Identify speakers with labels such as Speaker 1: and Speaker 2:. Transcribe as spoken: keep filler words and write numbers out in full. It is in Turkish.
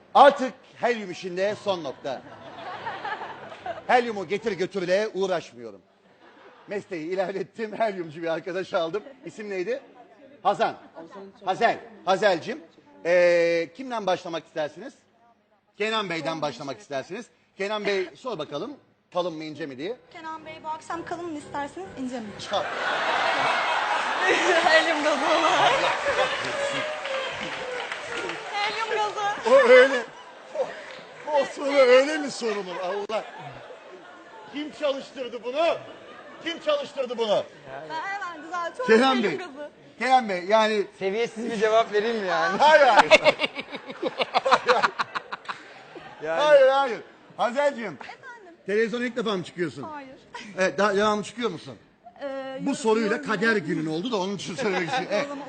Speaker 1: Artık helyum işinde son nokta. Helyumu getir götürle uğraşmıyorum. Mesleği ilerlettim, helyumcu bir arkadaş aldım. İsim neydi? Hazan. Hazel. Hazel'cim. Ee, kimden başlamak istersiniz? Kenan Bey'den başlamak istersiniz. Kenan Bey sor bakalım kalın mı ince mi diye.
Speaker 2: Kenan Bey bu akşam kalın mı isterseniz ince mi?
Speaker 1: Çal.
Speaker 2: Helyum gazı olarak. Helyum gazı.
Speaker 1: O öyle. O, o soru öyle mi sorulur Allah? Kim çalıştırdı bunu? Kim çalıştırdı bunu?
Speaker 2: Ben hemen düzeltiyorum.
Speaker 1: Kenan
Speaker 2: Helyum
Speaker 1: Bey.
Speaker 2: gazı.
Speaker 1: Kenan Bey yani
Speaker 3: Seviyesiz bir cevap vereyim mi yani?
Speaker 1: hayır hayır.
Speaker 3: Yani
Speaker 1: Hayır hayır. Hazel'cim
Speaker 2: Efendim?
Speaker 1: televizyona ilk defa mı çıkıyorsun?
Speaker 2: Hayır.
Speaker 1: Evet daha devamlı çıkıyor musun?
Speaker 2: Ee,
Speaker 1: Bu
Speaker 2: yorum-
Speaker 1: soruyla
Speaker 2: yorum-
Speaker 1: kader günün oldu da onun için söylemek istiyorum. Evet.
Speaker 2: O zaman